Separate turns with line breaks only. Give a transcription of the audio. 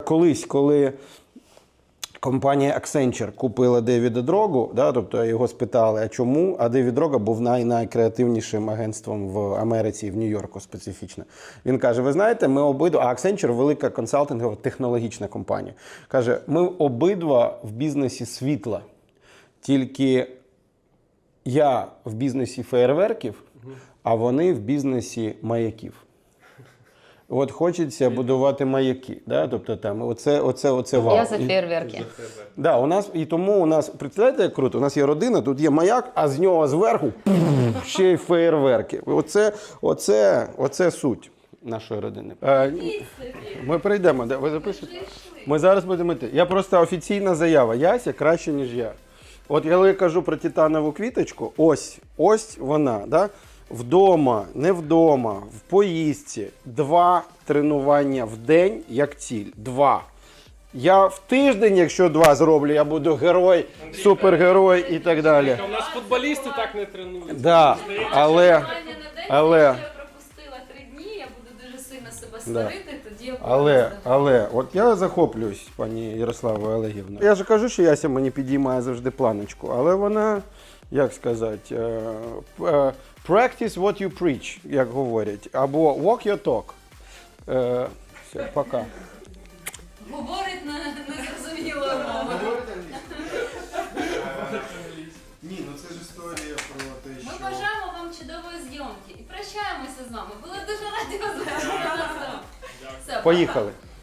колись, коли компанія Accenture купила Девіда Дрогу, да, тобто його спитали, а чому? А Девід Дрога був найкреативнішим агентством в Америці і в Нью-Йорку специфічно. Він каже, ви знаєте, ми обидва, а Accenture – велика консалтингова технологічна компанія. Каже, ми обидва в бізнесі світла, тільки я в бізнесі феєрверків, а вони в бізнесі маяків. От хочеться будувати маяки, да? Тобто там оце вау.
Я за фейерверки.
Да, у нас, і тому у нас, представляєте, як круто, у нас є родина, тут є маяк, а з нього зверху ще й феєрверки. Оце суть нашої родини. Ми прийдемо, ви записуєте? Ми зараз будемо йти. Я просто офіційна заява, Яся краще, ніж я. От я кажу про титанову квіточку, ось вона, да? Вдома, не вдома, в поїздці. 2 тренування в день як ціль. 2. Я в тиждень, якщо 2 зроблю, я буду герой, супергерой і так далі.
У нас футболісти так не тренуються.
Да, але...
Я пропустила 3 дні, я буду дуже сильно себе сварити, тоді я буду
Але, от я захоплююсь, пані Ярославою Олегівною. Я ж кажу, що Яся мені підіймає завжди планочку, але вона, як сказати, practice what you preach, як говорять, або walk your talk. Все, пока.
говорить незрозумілою мовою.
Ні, ну це ж історія про те,
Ми бажаємо вам чудової зйомки і прощаємося з вами. Були дуже раді вас бачити. Все,
Поїхали.